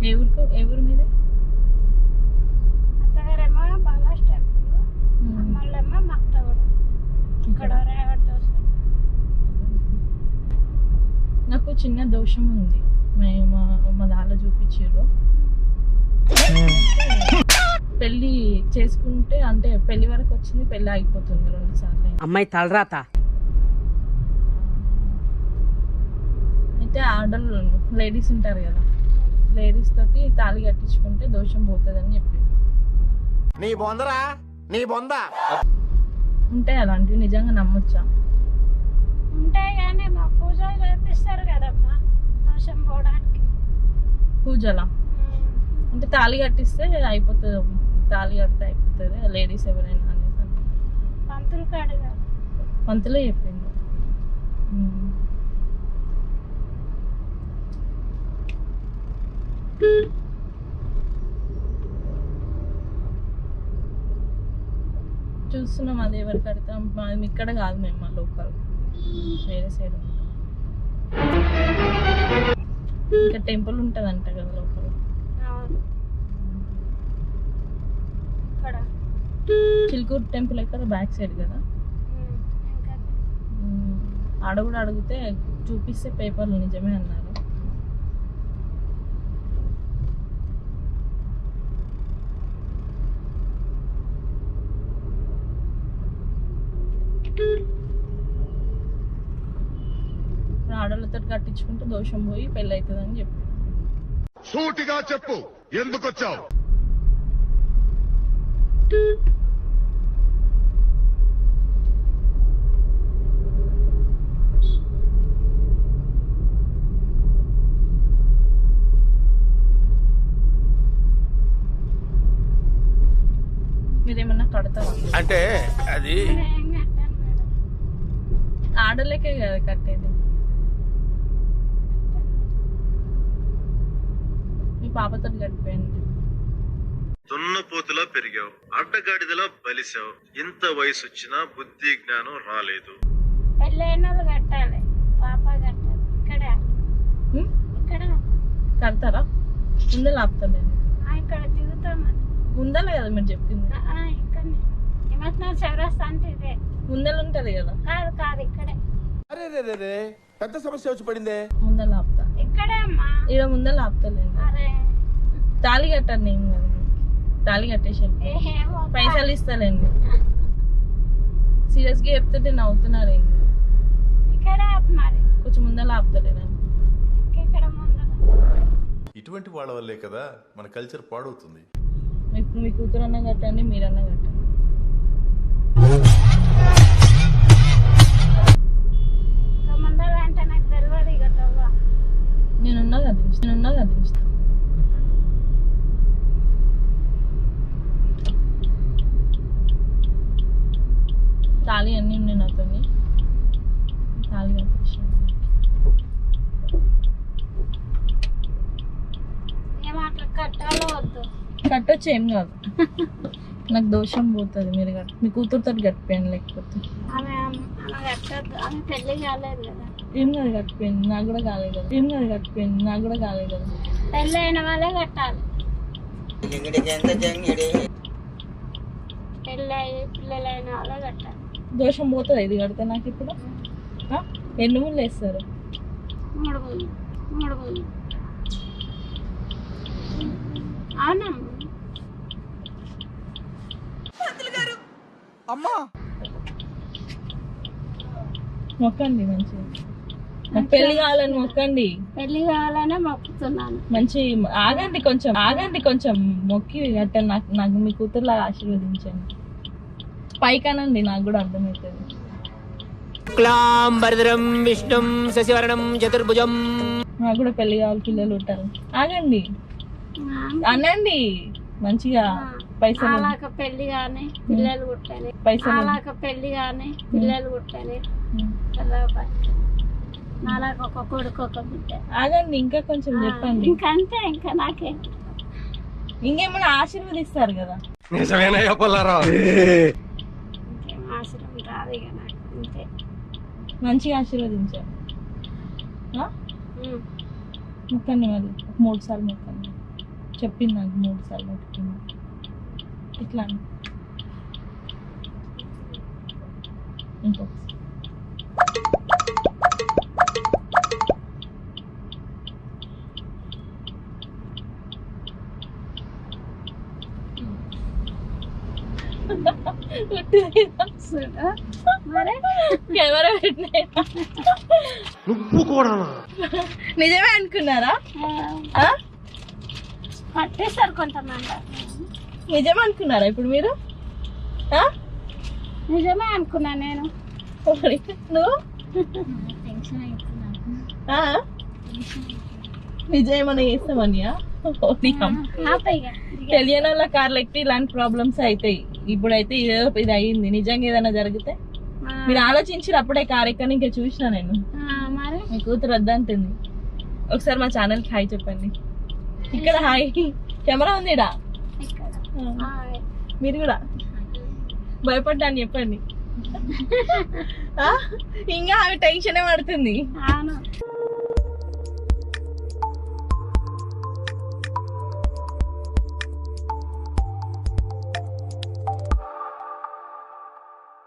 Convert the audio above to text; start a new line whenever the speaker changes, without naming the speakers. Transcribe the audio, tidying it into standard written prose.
ఏ ఊరు మీద?
అత్తగారేమో బాలాస్ టెంపుల్, అమ్మోళ్ళేమో మక్తగూడ. ఇక్కడ రేవతి దోశ.
నాకు చిన్న దోషం ఉంది, మా దాలో చూపించారు. పెళ్లి చేసుకుంటే అంటే పెళ్లి వరకు వచ్చింది, పెళ్లి ఆగిపోతుంది 2 సార్లు.
అమ్మాయి తలరాత.
అయితే ఆడలు లేడీస్ ఉంటారు కదా, లేడీస్ తోటి తాళి కట్టించుకుంటే దోషం పోతుంది అని చెప్పి.
నీ బొందరా నీ బొంద
ఉంటాయి అలాంటివి, నిజంగా నమ్మొచ్చా?
ఉంటాయి కానీ మా పూజలు చేపిస్తారు కదమ్మా దోషం పోవడానికి.
పూజలా? అంటే తాళి కట్టిస్తే అయిపోతుంది, తాళి కడితే అయిపోతుంది, లేడీస్ ఎవరైనా అనేసి.
పంతులు కాడుగా
పంతులే చెప్పింది. చూస్తున్నాం అది ఎవరు కడతాం, మేము ఇక్కడ కాదు, మేము మా లోకల్ వేరే సైడ్ ఉంటాం. ఇంకా టెంపుల్ ఉంటుందంట కదా లోకల్. చిలుకూరు టెంపుల్ ఎక్కడ? బ్యాక్ సైడ్ కదా. ఆడ కూడా అడిగితే చూపిస్తే పేపర్లు నిజమే అన్నారు. ఆడలతో కట్టించుకుంటే దోషం పోయి పెళ్ళి అవుతుంది అని చెప్పి.
సూటిగా చెప్పు, ఎందుకు వచ్చావు?
మీరేమన్నా కడతారా?
అంటే అది
ఆడలేకే కదా కట్టేది. మీ పాపతో కట్టిపోయింది.
దున్నపోతులా పెరిగావు, అడ్డగాడిదలా బలిసావు. ఇంత వయసు వచ్చినా బుద్ధి జ్ఞానం రాలేదు.
పెళ్ళైన వాళ్ళు కట్టాలి, పాప కట్టాలి. ఇక్కడ
కడతారా? ముందే లాపుతలేదు.
ఇక్కడ దిగుతామని
ముందలే కదా మీరు చెప్పింది.
ఇక్కడ నిమజ్జనం చౌరస్తా అంటే ఇదే
ముందలు ఉంటది కదా.
కాదు ఇక్కడే.
అరే రే పెద్ద సమస్య వచ్చి పడిందే.
ముందల ఆపుతా.
ఇక్కడే అమ్మా.
ఇక ముందల ఆపుతలేదు.
అరే
తాళి కట్టాను నేను కదా, తాళి కట్టేసాను, పైసలు ఇస్తానండి. సీరియస్ గా చెప్తుంటే నవ్వుతున్నారు.
ఇక్కడే మరి
కొంచెం ముందల ఆపుతలేదండి.
ఇక్కడ ముందర
ఇటువంటి వాళ్ళ వల్లే కదా మన కల్చర్ పాడవుతుంది.
మీ కూతురన్నా కట్టండి, మీరన్నా కట్టండి.
ముందర అంటే నాకు తెలియదు. ఇక తవ్వ
నేనున్నా కదా. తాళి అన్నీ ఉన్నాయి నాతో, తాళి కట్టేసాను.
ఏమాట్లా కట్టాలో వద్దు?
కట్టొచ్చు, ఏం కాదు. నాకు దోషం పోతుంది. మీరు మీ కూతురుతో కట్టిపోయాను. లేకపోతే
ఆమె కట్టద్దు, ఆమె పెళ్లి కాలేదు కదా.
ఏం కాదు, కట్టిపోయింది. నాకు కూడా కాలేదు కదా.
పెళ్ళి అయిన వాళ్ళే కట్టాలి. పెళ్ళి అయ్యి పిల్లలైన వాళ్ళే కట్టాలి.
దోషం పోతుంది ఇది కడితే. నాకు ఇప్పుడు ఎన్ని ముళ్ళు వేస్తారు?
3 ముళ్ళు. అవునమ్మా.
అమ్మా
మొక్కండి మంచిగా. నాకు పెళ్లి కావాలని మొక్కండి.
పెళ్లి కావాలనే మొక్కుతున్నాను.
మంచి ఆగండి కొంచెం మొక్కి కట్టండి. నాకు మీ కూతురులాగా ఆశీర్వదించండి. పైకనండి, నాకు కూడా అర్థమవుతుంది.
విష్ణుం శశివర్ణం చతుర్భుజం.
నాకు కూడా పెళ్లి కావాలి, పిల్లలు ఉంటారు. ఆగండి అనండి మంచిగా. పైసలు
పెళ్లి కానీ పిల్లలు పుట్టాలి. పెళ్లి కానీ పిల్లలు పుట్టాలి. నాలాగ ఒక కొడుకు ఒక బిడ్డ.
ఆగండి ఇంకా కొంచెం చెప్పండి.
ఇంకంతే, ఇంకా నాకే
ఇంకేమైనా ఆశీర్వదిస్తారు కదా.
నిజమేనా చెప్పాలరా?
ఇంకేం ఆశ్రమం రాదు ఇక నాకు. అంతే,
మంచిగా ఆశీర్వదించారు. మొక్కండి మరి 3 సార్లు మొక్కండి. చెప్పింది నాకు 3 సార్లు చెప్పింది. ఇట్లా అని. ఇంకొకసారి
మరి
కెమెరా పెట్టినాయి.
నువ్వు కూడా
నిజమే అనుకున్నారా? ఆ?
పట్టేస్తారు కొంతమంది.
నిజమే అనుకున్నారా ఇప్పుడు మీరు? ఆ?
నిజమే అనుకున్నా నేను.
మరి నువ్వు ఆ? నిజమేమన్నా చేస్తామనియా? తెలియని వాళ్ళ కార్లు ఎక్కి ఇలాంటి ప్రాబ్లమ్స్ అవుతాయి. ఇప్పుడైతే ఇదేదో ఇది అయ్యింది. నిజంగా ఏదైనా జరిగితే మీరు ఆలోచించారు అప్పుడే కార్ ఎక్కని ఇంకా చూసినా నేను.
మరి
మీ కూతురు వద్దంటుంది. ఒకసారి మా ఛానల్ కి హాయ్ చెప్పండి. ఇక్కడ హాయ్ కెమెరా ఉంది ఇడా. మీరు కూడా భయపడ్డాను చెప్పండి. ఇంకా ఆమె టెన్షన్ పడుతుంది.
అవును.